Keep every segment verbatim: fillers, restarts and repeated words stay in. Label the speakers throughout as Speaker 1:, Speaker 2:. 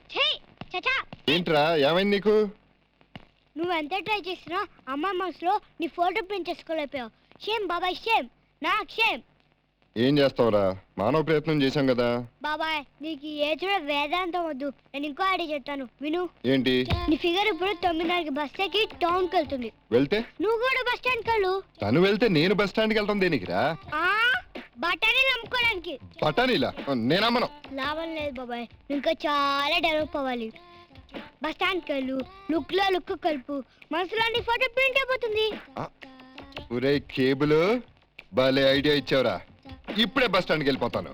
Speaker 1: ఛీ చచా
Speaker 2: ఏంట్రా ఏమైంది నీకు?
Speaker 1: నువ్వు ఎంత ట్రై చేసినా అమ్మ మనసులో నీ ఫోటో ప్రింట్ చేసుకోలేకపోయావు. షేమ్ బాబాయ్, షేమ్, నాకు షేమ్.
Speaker 2: ఏం చేస్తావురా, మానవ ప్రయత్నం చేశాం కదా.
Speaker 1: బాబాయ్ నీకు ఈ ఏజ్ లో వేదాంతం వద్దు, నేను ఇంకో ఐడియా చెప్తాను విను.
Speaker 2: ఏంటి?
Speaker 1: నీ ఫిగర్ ఇప్పుడు తొమ్మిదిన్నరకి బస్ ఎక్కి టౌన్ కి వెళ్తుంది.
Speaker 2: వెళ్తే
Speaker 1: నువ్వు కూడా బస్ స్టాండ్ కలు.
Speaker 2: తను వెళ్తే నేను బస్ స్టాండ్కి వెళ్తాం దేనికిరా?
Speaker 1: ఆ బట్టని నమ్ముకోవడానికి.
Speaker 2: పటానీలా? నేనమ్మను.
Speaker 1: లాభం లేదు బాబాయ్, ఇంకా చాలా డెవలప్ అవ్వాలి. బస్ స్టాండ్ కలు, లుక్ లో లుక్ కలుపు, మనసులో నీ ఫోటో ప్రింట్ అయిపోతుంది.
Speaker 2: ఒరే కేబుల్, భలే ఐడియా ఇచ్చావురా. ఇప్పుడే బస్ స్టాండ్కి వెళ్ళిపోతాను.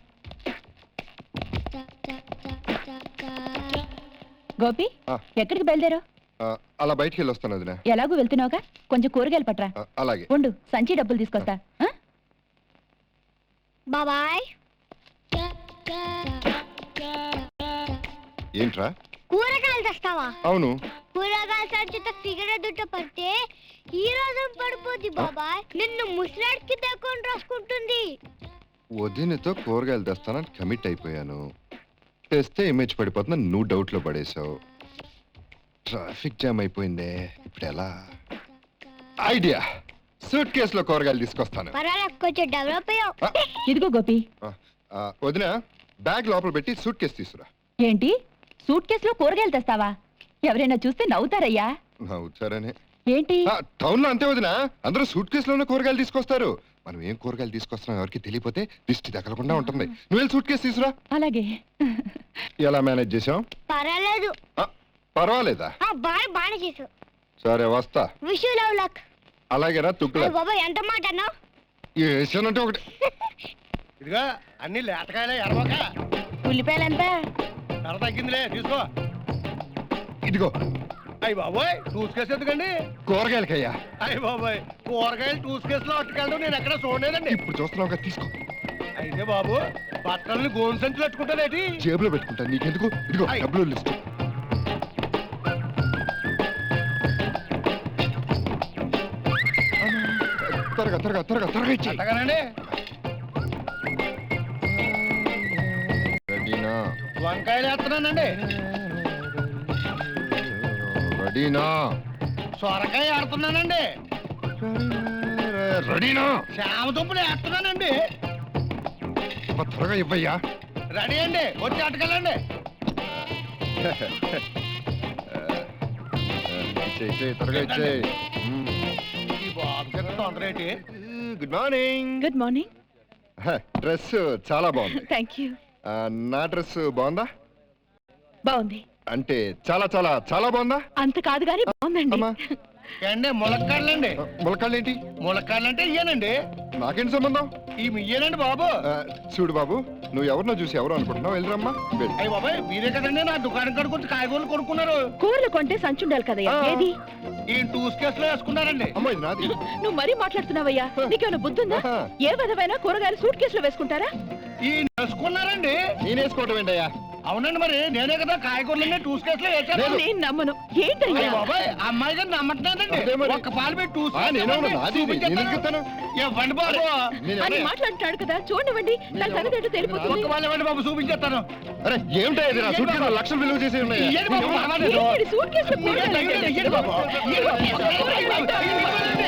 Speaker 3: గోపి,
Speaker 2: ఆ.
Speaker 3: ఎక్కడికి బయలుదేరు?
Speaker 2: ఆ, అలా బయటికి వెళ్ళి వస్తాను వదినా.
Speaker 3: ఎలాగూ వెళ్తున్నావుగా, కొంచెం కూరగాయలు పట్రా.
Speaker 2: ఆ, అలాగే.
Speaker 3: ఉండు, సంచి డబ్బులు తీసుకొస్తా. ఆ?
Speaker 1: బాబాయ్
Speaker 2: ఏంట్రా?
Speaker 1: కూరగాయలు తెస్తావా?
Speaker 2: అవును.
Speaker 1: కూరగాయల సంచిత ఫిగర్ దుట్ట పడితే ఈ రోజు పడిపోద్ది బాబాయ్. నిన్ను ముసలాడికి దక్కుని రాసుకుంటుంది.
Speaker 2: వదినతో కూరగాయలు తెస్తానని కమిట్ అయిపోయాను. తెస్తే ఇమేజ్ పడిపోతుందని నువ్వు డౌట్ లో పడేశావు. ట్రాఫిక్ జామ్ అయిపోయిందే, ఇప్పుడు ఎలా? ఐడియా, సూట్ కేసులో కూరగాయలు తీసుకొస్తాను.
Speaker 1: పర్వాలేదు, కొంచెం డెవలప్ అయ్యావు.
Speaker 2: ఆ,
Speaker 3: ఇదిగో గోపి.
Speaker 2: ఆ, ఆ, వదినా బ్యాగ్ లోపల పెట్టి సూట్ కేసు తీసుకురా.
Speaker 3: ఏంటి, సూట్ కేసులో కూరగాయలు తెస్తావా? ఎవరైనా చూస్తే నవ్వుతారయ్యా.
Speaker 2: నవ్వుతారనే.
Speaker 3: ఏంటి?
Speaker 2: టౌన్ లో అంతే వదినా, అందరూ సూట్ కేసులోనే కూరగాయలు తీసుకొస్తారు. మనం ఏం కూరగాయలు తీసుకొస్తున్నాం ఎవరికి తెలియపోతే దిష్టి తగలకుండా ఉంటుంది. నువ్వు వెళ్ళి సూట్ కేసు తీసురా.
Speaker 3: అలాగే.
Speaker 2: ఎలా మేనేజ్ చేసాం?
Speaker 1: పర్వాలేదు.
Speaker 2: ఆ, పర్వాలేదా?
Speaker 1: ఆ బాయ్ బాగా చేసావు.
Speaker 2: సరే వస్తా.
Speaker 1: Wish you love luck.
Speaker 2: అలాగేనా తుక్కులే.
Speaker 1: బాబాయ్ ఎంత మాట అన్నా?
Speaker 2: వేసానంటే ఒకటి.
Speaker 4: ఇదిగా అన్ని లేటకాయలే ఎడమక.
Speaker 3: ఉల్లిపాయలు ఎంత?
Speaker 4: ధర తగ్గిందిలే, తీసుకో.
Speaker 2: ఇదిగో.
Speaker 4: అయ్యి బాబోయ్, టూస్ కేసు ఎందుకండి?
Speaker 2: కూరగాయలకయ్యా.
Speaker 4: అయ్యి బాబోయ్, కూరగాయలు టూస్ కేసులో అట్టుకెళ్ళడం నేను ఎక్కడ చూడలేదండి.
Speaker 2: ఇప్పుడు చూస్తున్నావు కదా, తీసుకో.
Speaker 4: అయితే బాబు, బట్టలని గోను సంచులు అట్టుకుంటానేటి?
Speaker 2: జేబులో పెట్టుకుంటా, నీకెందుకు? ఇదిగో
Speaker 4: అయ్.
Speaker 2: డబ్బులు లిస్ట్. త్వరగా త్వరగా త్వరగా త్వరగా ఇచ్చేయ్.
Speaker 4: అంతగానండి.
Speaker 2: రెడీనా?
Speaker 4: వంకాయలు వేస్తున్నానండి.
Speaker 2: రెడీనా?
Speaker 4: సొరకాయ ఆడుతున్నానండి.
Speaker 2: రెడీనా?
Speaker 4: శ్యామ దుంపలు వేస్తున్నానండి.
Speaker 2: త్వరగా ఇవ్వయ్యా.
Speaker 4: రెడీ అండి, వచ్చి అట్టుకెళ్ళండి.
Speaker 2: ఇచ్చేయ్, ఇచ్చేయ్, త్వరగా ఇచ్చేయ్.
Speaker 4: ఈ బాబు గారు తొందర ఏంటి?
Speaker 2: Good morning.
Speaker 3: Good morning.
Speaker 2: Dress చాలా బాగుంది.
Speaker 3: Thank you.
Speaker 2: ఆ, నా డ్రెస్ బాగుందా?
Speaker 3: బాగుంది.
Speaker 2: అంటే చాలా చాలా చాలా బాగుందా?
Speaker 3: అంత కాదు గానీ బాగుందండి.
Speaker 2: అమ్మా.
Speaker 4: ఏండి ములక్కాడలండి.
Speaker 2: ములక్కాళ్ళు ఏంటి?
Speaker 4: ములక్కాడలు అంటే ఇయ్యానండి.
Speaker 2: నాకేంటి సంబంధం?
Speaker 4: ఈ ఇయ్యానండి బాబు.
Speaker 2: ఆ, చూడు బాబు, నువ్వు ఎవరినో చూసి ఎవరు అనుకుంటున్నావు, వెళ్ళరమ్మా. వెళ్ళు.
Speaker 4: అయ్యి బాబాయ్, మీరే కదండి నా దుకాణం కాడికి వచ్చి కాయగూరలు కొనుక్కున్నారు.
Speaker 3: కూరలు కొంటే సంచుండాలి కదయ్యా.
Speaker 2: ఆ.
Speaker 3: ఏది?
Speaker 4: ఈ టూస్ కేసులో వేసుకున్నారండి.
Speaker 2: అమ్మా, ఇది నాది.
Speaker 3: నువ్వు మరీ మాట్లాడుతున్నావయ్యా. నీకేమైనా బుద్ధుందా?
Speaker 2: ఆహా.
Speaker 3: ఏ విధమైన కూరగాయలు సూట్ కేసులో వేసుకుంటారా?
Speaker 4: ఈ వేసుకున్నారండి.
Speaker 2: నేనేసుకోవటం ఏంటయ్యా?
Speaker 4: అవునండి, మరి నేనే కదా కాయగూరలన్నీ టూస్ కేసులో వేసాను.
Speaker 3: నేను నమ్మను. ఏంటయ్యా?
Speaker 4: అయ్య బాబాయ్, అమ్మాయి గారు నమ్మట్లేదండి.
Speaker 2: అదే మరి.
Speaker 4: ఒక్క పాలు పెట్టి టూస్
Speaker 2: ఆ, నేనే ఉన్నా, నాది ఇది. నేను ఎందుకు ఇస్తాను?
Speaker 4: ఇవ్వండి బాబు.
Speaker 2: నేను
Speaker 3: అని
Speaker 2: ఎవరు-
Speaker 3: మాట్లాడుతున్నాడు కదా, చూడండి. నా సంగతి ఏంటో తెలిపోతుంది.
Speaker 4: ఒక్క పాలు ఇవ్వండి బాబు, చూపించేస్తాను.
Speaker 2: అరే ఏమిటా ఇది? నా సూట్ కేసులో లక్షలు విలువ చేసి ఉన్నాయి.
Speaker 4: ఇయ్యండి బాబు, పర్వాలేదు.
Speaker 3: ఏంటి సూట్ కేసులో కూరగాయలు
Speaker 4: ఇయ్యండి,
Speaker 3: అంటే?
Speaker 4: ఇయ్యండి బాబు. ఇయ్యండి బాబు.
Speaker 3: కూరగాయలు అంటే?
Speaker 4: ఇవ్వండి.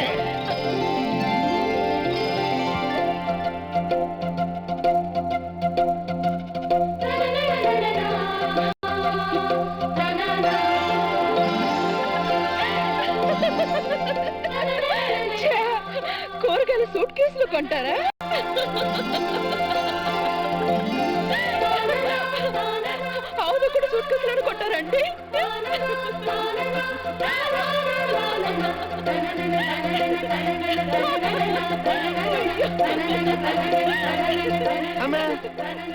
Speaker 3: ఛే, కూరగాయలు సూట్ కేసులో కొంటారా? అవును, కూడా సూట్ కేసులో కొంటారండి.
Speaker 2: అమ్మా